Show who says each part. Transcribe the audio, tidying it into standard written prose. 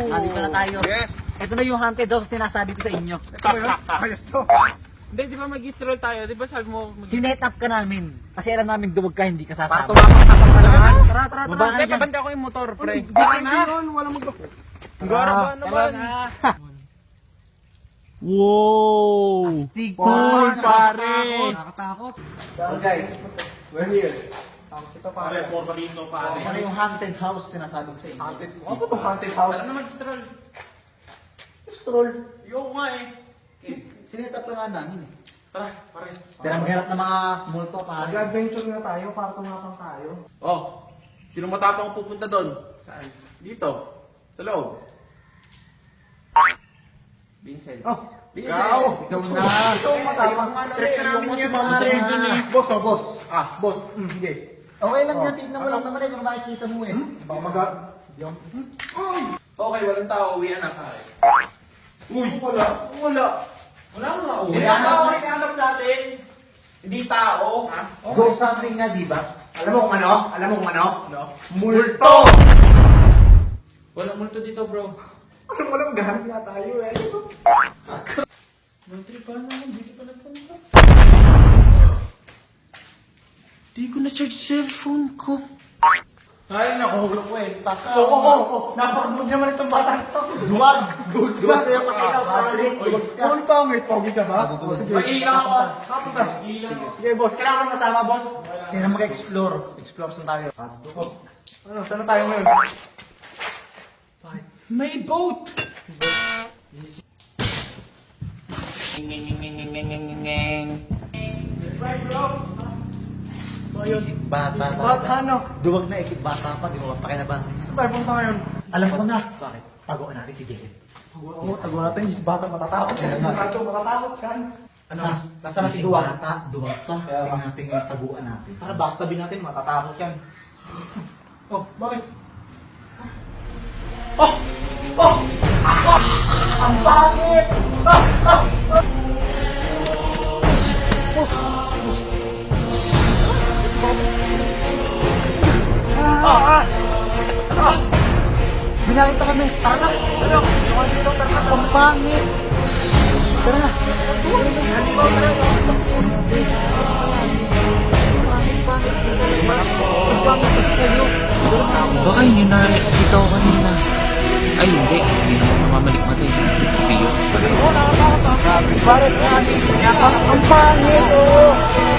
Speaker 1: Dito na tayo.
Speaker 2: Yes!
Speaker 1: Ito na yung haunted house sinasabi ko sa inyo.
Speaker 2: Ito ba yun? Ayos to.
Speaker 3: Hindi, di ba mag-stroll tayo? Di ba sabi mo...
Speaker 1: Sinet up ka namin. Kasi alam namin duwag ka, hindi ka sasama.
Speaker 2: Tumapak ka naman. Tara, tara,
Speaker 1: Baba ka
Speaker 3: Hindi,
Speaker 1: na dyan.
Speaker 3: babanda ko yung motor, pre.
Speaker 2: Hindi ka na. Walang magbapo.
Speaker 3: Gara ba naman?
Speaker 1: Wow!
Speaker 2: Cool, pare.
Speaker 1: Nakakatakot. So guys,
Speaker 2: We're here. Tapos ito pare. Porta dito pare.
Speaker 1: ito na yung haunted house sinasabi ko sa inyo.
Speaker 2: Haunted. Ano ba itong haunted house?
Speaker 3: Ano mag-stroll?
Speaker 1: Stroll.
Speaker 2: Yung nga eh.
Speaker 1: Sinet up ka nga namin eh.
Speaker 2: Tara, pare.
Speaker 1: Hirap na mga multo pare.
Speaker 2: Mag-adventure na tayo para tumapang tayo.
Speaker 4: Oh, sino matapang pupunta doon? Saan? Dito. Sa loob. Vincent.
Speaker 2: Oh,
Speaker 4: Ikaw.
Speaker 1: Ikaw na.
Speaker 2: ito ang matapang. Trip ka namin yung mga rin dun eh. Boss, oh boss.
Speaker 4: Ah,
Speaker 2: Boss, sige.
Speaker 1: Okay lang yan, tignan mo lang naman eh, kung makikita mo eh.
Speaker 2: Baka mag...
Speaker 4: okay, walang tao. Uwian na pare.
Speaker 2: Uy, wala. Wala.
Speaker 4: Wala ko na uwi.
Speaker 2: Hindi tao, hinahanap natin. Hindi tao.
Speaker 1: Ghost hunting nga, di ba?
Speaker 2: Alam mo kung ano? Alam mo kung ano?
Speaker 4: No?
Speaker 2: Multo!
Speaker 4: Walang multo dito, bro.
Speaker 2: Alam mo lang, gahanap nga tayo eh.
Speaker 4: Mantri, paano naman? Dito pa nagpunta. Di ko na-charge cellphone ko.
Speaker 2: Ay, nakuhulog ko eh. Oo. Napakagod naman itong bata ito. Duwag. Duwag kaya pakita pare. Duwag pangit. Pogi ka ba? Sige. Mag-iilang ako. Saan punta? Sige boss. Kailangan mo masama boss.
Speaker 1: Kaya na mag-explore. Explore saan tayo.
Speaker 2: Ano, saan na tayo ngayon?
Speaker 4: May boat!
Speaker 1: Isip bata.
Speaker 2: Isip bata, no?
Speaker 1: Duwag na isip bata pa, di mo ba pakinabangan niya.
Speaker 2: Saan tayo punta ngayon?
Speaker 1: Alam ko na. Bakit? Taguan natin si Jelen.
Speaker 2: Oo, tago natin. Isip bata matatakot yan. Isip bata matatakot yan.
Speaker 1: Ano? Nasaan na si Duwag? Bata, duwag pa. Tingnan natin yung taguan natin.
Speaker 3: Tara, backstabbing natin, matatakot yan.
Speaker 2: Oh, bakit? Oh! Oh!
Speaker 1: Ang pangit!
Speaker 2: Boss!
Speaker 1: Binalita kami. Tara na.
Speaker 2: Ano? Yung dito, tara na.
Speaker 1: Ang pangit. Tara na.
Speaker 2: Hindi ba tara?
Speaker 1: Mas pangit kasi sa'yo.
Speaker 3: Baka yun yung nakikita ko kanina. Ay, hindi. Hindi naman namamalik mata eh. Hindi yun.
Speaker 2: Bakit nga, ang pangit, oh!